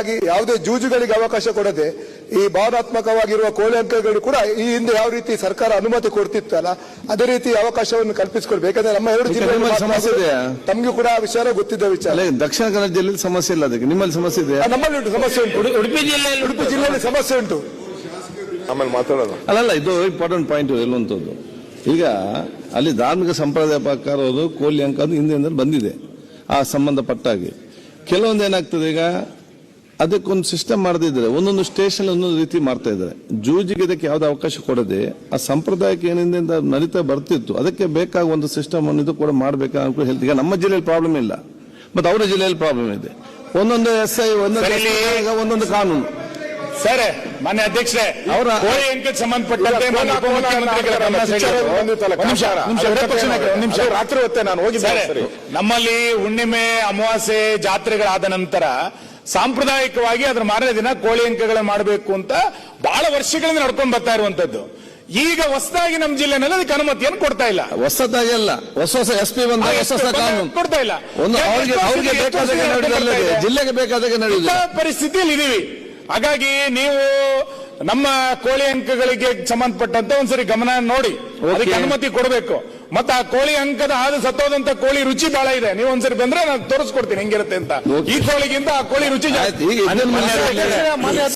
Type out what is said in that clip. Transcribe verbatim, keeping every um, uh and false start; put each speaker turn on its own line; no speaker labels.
ಹಾಗಾಗಿ ಯಾವುದೇ ಜೂಜುಗಳಿಗೆ ಅವಕಾಶ ಕೊಡದೆ ಈ ಭಾವನಾತ್ಮಕವಾಗಿರುವ ಕೋಳಿ ಅಂಕಗಳು ಕೂಡ ಈ ಹಿಂದೆ ಯಾವ ರೀತಿ ಸರ್ಕಾರ ಅನುಮತಿ ಕೊಡ್ತಿತ್ತಲ್ಲ ಅದೇ ರೀತಿ ಅವಕಾಶವನ್ನು ಕಲ್ಪಿಸಿಕೊಡ್ಬೇಕು. ಯಾಕಂದ್ರೆ ನಮ್ಮ ಎರಡು ಜಿಲ್ಲೆಯಲ್ಲಿ
ಸಮಸ್ಯೆ ಇದೆ,
ತಮಗೂ ಕೂಡ ಆ ವಿಚಾರ ಗೊತ್ತಿದ್ದ ವಿಚಾರ.
ದಕ್ಷಿಣ ಕನ್ನಡ ಜಿಲ್ಲೆಯಲ್ಲಿ ಸಮಸ್ಯೆ ಇಲ್ಲ, ಅದಕ್ಕೆ ನಿಮ್ಮಲ್ಲಿ ಸಮಸ್ಯೆ ಇದೆ.
ನಮ್ಮಲ್ಲಿ ಉಂಟು ಸಮಸ್ಯೆ ಉಂಟು,
ಉಡುಪಿ ಜಿಲ್ಲೆಯಲ್ಲಿ
ಉಡುಪಿ ಜಿಲ್ಲೆಯಲ್ಲಿ ಸಮಸ್ಯೆ ಉಂಟು.
ಆಮೇಲೆ ಮಾತಾಡೋದು
ಅಲ್ಲಲ್ಲ, ಇದು ಇಂಪಾರ್ಟೆಂಟ್ ಪಾಯಿಂಟ್ ಇರುವಂತದ್ದು. ಈಗ ಅಲ್ಲಿ ಧಾರ್ಮಿಕ ಸಂಪ್ರದಾಯ ಪ್ರಕಾರ ಅದು ಕೋಳಿ ಅಂಕ ಅದು ಹಿಂದಿನಿಂದ ಬಂದಿದೆ. ಆ ಸಂಬಂಧಪಟ್ಟಾಗಿ ಕೆಲವೊಂದು ಏನಾಗ್ತದೆ, ಈಗ ಅದಕ್ಕೊಂದು ಸಿಸ್ಟಮ್ ಮಾಡದಿದ್ರೆ ಒಂದೊಂದು ಸ್ಟೇಷನ್ ಒಂದೊಂದು ರೀತಿ ಮಾಡ್ತಾ ಇದ್ದಾರೆ. ಜೂಜಿಗೆ ಇದಕ್ಕೆ ಯಾವುದೇ ಅವಕಾಶ ಕೊಡದೆ ಆ ಸಂಪ್ರದಾಯಕ್ಕೆ ಏನಿಂದ ನಡೀತಾ ಬರ್ತಿತ್ತು, ಅದಕ್ಕೆ ಬೇಕಾದ ಒಂದು ಸಿಸ್ಟಮ್ ಅನ್ನು ಇದು ಕೂಡ ಮಾಡಬೇಕಾ ಅಂತ ಹೇಳ್ತೀವಿ. ಈಗ ನಮ್ಮ ಜಿಲ್ಲೆಯಲ್ಲಿ ಪ್ರಾಬ್ಲಮ್ ಇಲ್ಲ, ಮತ್ತೆ ಅವರ ಜಿಲ್ಲೆಯಲ್ಲಿ ಪ್ರಾಬ್ಲಮ್ ಇದೆ. ಒಂದೊಂದು ಎಸ್ ಐ ಒಂದೊಂದು ಒಂದೊಂದು ಕಾನೂನು.
ಸರ್, ಮಾನ್ಯ ಅಧ್ಯಕ್ಷರೇ, ಅವರ ಕೋಳಿ ಅಂಕಕ್ಕೆ ಸಂಬಂಧಪಟ್ಟಂತೆ
ರಾತ್ರಿ ಹೊತ್ತೆ ನಾನು ಹೋಗಿದ್ದೆ.
ನಮ್ಮಲ್ಲಿ ಹುಣ್ಣಿಮೆ ಅಮಾವಾಸ್ಯೆ ಜಾತ್ರೆಗಳಾದ ನಂತರ ಸಾಂಪ್ರದಾಯಿಕವಾಗಿ ಅದರ ಮಾರನೇ ದಿನ ಕೋಳಿ ಅಂಕಗಳನ್ನು ಮಾಡಬೇಕು ಅಂತ ಬಹಳ ವರ್ಷಗಳಿಂದ ನಡ್ಕೊಂಡು ಬರ್ತಾ ಇರುವಂತದ್ದು. ಈಗ ಹೊಸದಾಗಿ ನಮ್ಮ ಜಿಲ್ಲೆನಲ್ಲಿ ಅದಕ್ಕೆ ಅನುಮತಿಯನ್ನು ಕೊಡ್ತಾ ಇಲ್ಲ.
ಹೊಸದಾಗಿ ಅಲ್ಲ, ಹೊಸ ಹೊಸ ಎಸ್ ಪಿ ಬಂದ ಹೊಸ ಹೊಸ ಕಾನೂನು
ಕೊಡ್ತಾ ಇಲ್ಲ.
ಅವ್ರಿಗೆ ಬೇಕಾದಾಗ ಜಿಲ್ಲೆಗೆ ಬೇಕಾದಾಗ ನಡೆಯುವ
ಪರಿಸ್ಥಿತಿಯಲ್ಲಿ ಇದೀವಿ. ಹಾಗಾಗಿ ನೀವು ನಮ್ಮ ಕೋಳಿ ಅಂಕಗಳಿಗೆ ಸಂಬಂಧಪಟ್ಟಂತೆ ಒಂದ್ಸರಿ ಗಮನ ನೋಡಿ ಅದಕ್ಕೆ ಅನುಮತಿ ಕೊಡಬೇಕು. ಮತ್ತೆ ಆ ಕೋಳಿ ಅಂಕದ ಆದ ಸತ್ತೋದಂತ ಕೋಳಿ ರುಚಿ ಬಹಳ ಇದೆ. ನೀವು ಒಂದ್ಸರಿ ಬಂದ್ರೆ ನಾನು ತೋರಿಸ್ಕೊಡ್ತೀನಿ ಹೆಂಗಿರುತ್ತೆ ಅಂತ. ಈ ಕೋಳಿಗಿಂತ ಆ ಕೋಳಿ ರುಚಿ ಜಾಸ್ತಿ.